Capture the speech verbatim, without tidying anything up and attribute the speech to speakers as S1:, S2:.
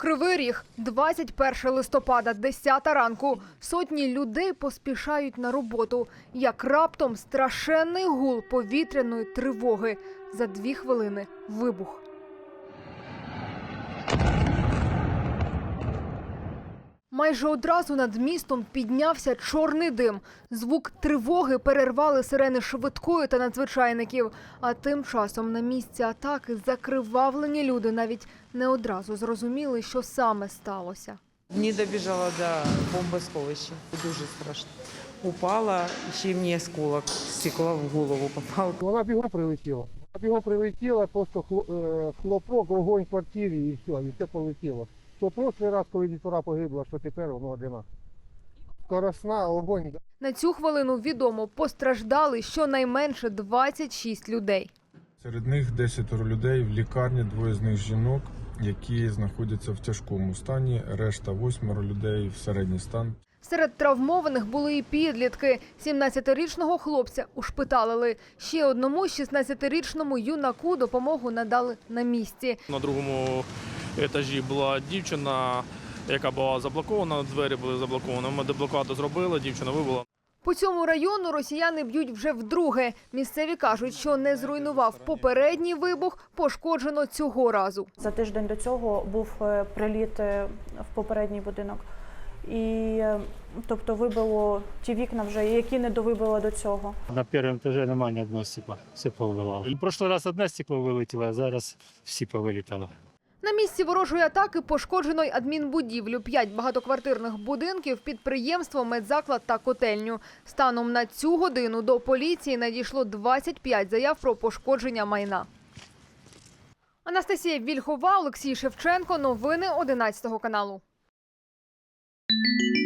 S1: Кривий Ріг, двадцять першого листопада, десята ранку. Сотні людей поспішають на роботу. Як раптом страшенний гул повітряної тривоги. За дві хвилини вибух. Майже одразу над містом піднявся чорний дим. Звук тривоги перервали сирени швидкої та надзвичайників. А тим часом на місці атаки закривавлені люди навіть не одразу зрозуміли, що саме сталося.
S2: Не добіжала до бомбосховища. Дуже страшно. Упала, ще й мені осколок стекла в голову попав.
S3: Вона бігом прилетіла. Вона бігом прилетіла, просто хлопок, вогонь в квартирі і все, і все полетіло. Що прошлий раз, коли дітвора погибла, що тепер воно одинаково. Скоросна, огонь.
S1: На цю хвилину відомо, постраждали щонайменше двадцять шість людей.
S4: Серед них десятеро людей в лікарні, двоє з них жінок, які знаходяться в тяжкому стані, решта восьмеро людей в середній стан.
S1: Серед травмованих були і підлітки. сімнадцятирічного хлопця ушпиталили. Ще одному шістнадцятирічному юнаку допомогу надали на місці.
S5: На другому етажі була дівчина, яка була заблокована, двері були заблоковані. Ми деблокаду зробили, дівчина вибула.
S1: По цьому району росіяни б'ють вже вдруге. Місцеві кажуть, що не зруйнував попередній вибух, пошкоджено цього разу.
S6: За тиждень до цього був приліт в попередній будинок. І, тобто, вибило ті вікна вже, які не довибило до цього.
S7: На першому етажі немає ні одного стекла, все повилало. В прошлий раз одне стекло вилетіло, а зараз всі повилітали.
S1: На місці ворожої атаки пошкоджено й адмінбудівлю, п'ять багатоквартирних будинків, підприємство, медзаклад та котельню. Станом на цю годину до поліції надійшло двадцять п'ять заяв про пошкодження майна. Анастасія Вільхова, Олексій Шевченко. Новини одинадцятого каналу.